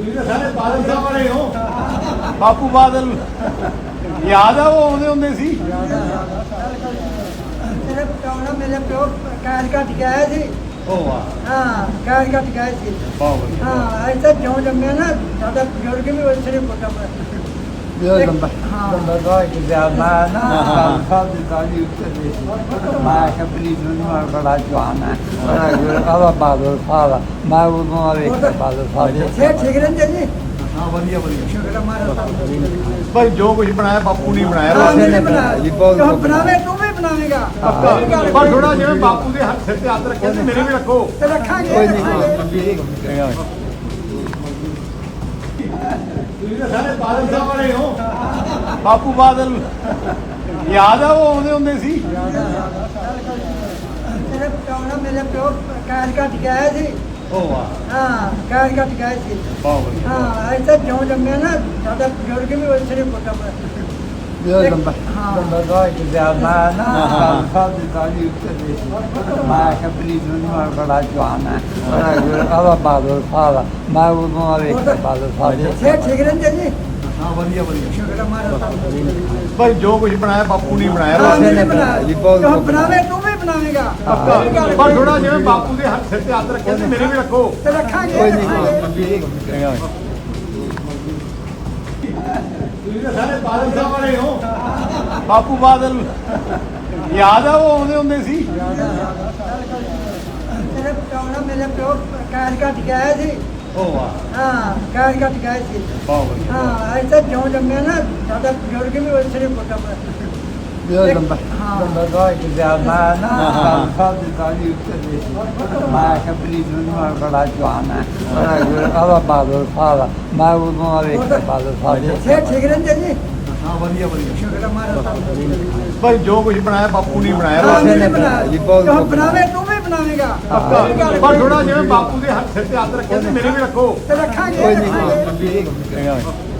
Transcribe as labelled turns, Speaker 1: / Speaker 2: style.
Speaker 1: ਤੁਸੀਂ ਤਾਂ ਸਾਰੇ ਬਾਦਲ ਸਾਹਿਬ ਵਾਲੇ ਹੋ। ਬਾਪੂ ਬਾਦਲ ਯਾਦ ਆ, ਉਹ ਆਉਂਦੇ ਹੁੰਦੇ ਸੀ।
Speaker 2: ਮੇਰੇ ਪਿਓ ਮੇਰੇ ਪਿਓ ਕਾਰ ਕੱਟ ਕੇ ਆਏ ਸੀ।
Speaker 1: ਉਹ ਵਾਹ,
Speaker 2: ਹਾਂ, ਕਾਰ ਕੱਟ ਕੇ ਆਏ ਸੀ।
Speaker 1: ਬਹੁਤ ਵਧੀਆ।
Speaker 2: ਹਾਂ, ਇੱਥੇ ਜਿਉਂ ਜੰਮਿਆ ਨਾ ਸਾਡਾ ਬਜ਼ੁਰਗ ਵੀ ਉਸੇ ਨੇ ਪੁੱਟਾ
Speaker 3: Io non so che sia umana, non so di togli tutte ma ha capito non con la Giovanna, allora vado fala, ma uno aveva vado fare.
Speaker 2: ਸੇ ਠੀਕ ਰਹਿੰਦੇ ਜੀ।
Speaker 1: ਹਾਂ ਵਧੀਆ ਵਧੀਆ।
Speaker 2: ਸ਼ੁਕਰ ਮਾਰਾ
Speaker 1: ਭਾਈ ਜੋ ਕੁਝ ਬਣਾਇਆ ਬਾਪੂ ਨੇ ਬਣਾਇਆ।
Speaker 2: ਹਾਂ,
Speaker 1: ਬਸ
Speaker 2: ਨਹੀਂ ਬਣਾਇਆ। ਜੋ ਬਣਾਵੇ ਤੂੰ ਵੀ ਬਣਾਵੇਂਗਾ।
Speaker 1: ਪਰ ਥੋੜਾ ਜਿਵੇਂ ਬਾਪੂ ਦੇ ਹੱਥ ਸਿਰ ਤੇ ਹੱਥ ਰੱਖਿਆ ਤੇ ਮੇਰੇ ਵੀ ਰੱਖੋ।
Speaker 2: ਤੇ ਰੱਖਾਂਗੇ
Speaker 3: Poi
Speaker 2: ਰੱਖਾਂਗੇ।
Speaker 1: ਤੁਸੀਂ ਤਾਂ ਸਾਰੇ ਬਾਦਲ ਸਾਹਿਬ ਵਾਲੇ ਹੋ। ਬਾਪੂ ਬਾਦਲ ਯਾਦ ਆ, ਉਹ ਆਉਂਦੇ ਹੁੰਦੇ ਸੀ।
Speaker 2: ਮੇਰੇ ਪਿਓ ਕਾਰ ਕੱਟ ਕੇ ਆਏ ਸੀ।
Speaker 1: ਉਹ ਵਾਹ,
Speaker 2: ਹਾਂ, ਕਾਰ ਕੱਟ ਕੇ ਆਏ ਸੀ।
Speaker 1: ਬਹੁਤ ਵਧੀਆ।
Speaker 2: ਹਾਂ, ਇੱਥੇ ਜਿਉਂ ਜੰਮਿਆ ਨਾ ਸਾਡਾ ਬਜ਼ੁਰਗ ਵੀ ਉਸੇ ਨੇ ਪੁੱਟਾ
Speaker 3: io non so che sia umana, non so di togli tutte ma ha capito non con la Giovanna, allora vado fala, ma uno aveva vado fare.
Speaker 2: ਸੇ ਠੀਕ ਰਹਿੰਦੇ ਜੀ।
Speaker 1: ਹਾਂ ਵਧੀਆ ਵਧੀਆ।
Speaker 2: ਸ਼ੁਕਰ ਮਾਰਾ
Speaker 1: ਭਾਈ ਜੋ ਕੁਝ ਬਣਾਇਆ ਬਾਪੂ ਨੇ ਬਣਾਇਆ।
Speaker 2: ਹਾਂ,
Speaker 1: ਬਸ
Speaker 2: ਨਹੀਂ ਬਣਾਇਆ। ਜੋ ਬਣਾਵੇ ਤੂੰ ਵੀ ਬਣਾਵੇਂਗਾ।
Speaker 1: ਪਰ ਥੋੜਾ ਜਿਵੇਂ ਬਾਪੂ ਦੇ ਹੱਥ ਸਿਰ ਤੇ ਹੱਥ ਰੱਖਿਆ ਤੇ ਮੇਰੇ ਵੀ ਰੱਖੋ।
Speaker 2: ਤੇ ਰੱਖਾਂਗੇ
Speaker 3: Poi
Speaker 2: ਰੱਖਾਂਗੇ।
Speaker 1: ਤੁਸੀਂ ਤਾਂ ਸਾਰੇ ਬਾਦਲ ਸਾਹਿਬ ਵਾਲੇ ਹੋ। ਬਾਪੂ ਬਾਦਲ ਯਾਦ ਆ, ਉਹ ਆਉਂਦੇ ਹੁੰਦੇ ਸੀ।
Speaker 2: ਮੇਰੇ ਪਿਓ ਕਾਰ ਕੱਟ ਕੇ ਆਏ ਸੀ।
Speaker 1: ਉਹ ਵਾਹ,
Speaker 2: ਹਾਂ, ਕਾਰ ਕੱਟ ਕੇ ਆਏ ਸੀ।
Speaker 1: ਬਹੁਤ ਵਧੀਆ।
Speaker 2: ਹਾਂ, ਇੱਥੇ ਜਿਉਂ ਜੰਮਿਆ ਨਾ ਸਾਡਾ ਬਜ਼ੁਰਗ ਵੀ ਉਸੇ ਨੇ ਪੁੱਟਾ
Speaker 3: io non so che sia umana, non so di togli tutte ma ha capito non con la Giovanna, allora vado fala, ma uno aveva vado fare.
Speaker 2: ਸੇ ਠੀਕ ਰਹਿੰਦੇ ਜੀ।
Speaker 1: ਹਾਂ ਵਧੀਆ ਵਧੀਆ।
Speaker 2: ਸ਼ੁਕਰ ਮਾਰਾ
Speaker 1: ਭਾਈ ਜੋ ਕੁਝ ਬਣਾਇਆ ਬਾਪੂ ਨੇ ਬਣਾਇਆ।
Speaker 2: ਹਾਂ,
Speaker 1: ਬਸ
Speaker 2: ਨਹੀਂ ਬਣਾਇਆ। ਜੋ ਬਣਾਵੇ ਤੂੰ ਵੀ ਬਣਾਵੇਂਗਾ।
Speaker 1: ਪਰ ਥੋੜਾ ਜਿਵੇਂ ਬਾਪੂ ਦੇ ਹੱਥ ਸਿਰ ਤੇ ਹੱਥ ਰੱਖਿਆ ਤੇ ਮੇਰੇ ਵੀ ਰੱਖੋ।
Speaker 2: ਤੇ ਰੱਖਾਂਗੇ
Speaker 3: Poi
Speaker 2: ਰੱਖਾਂਗੇ।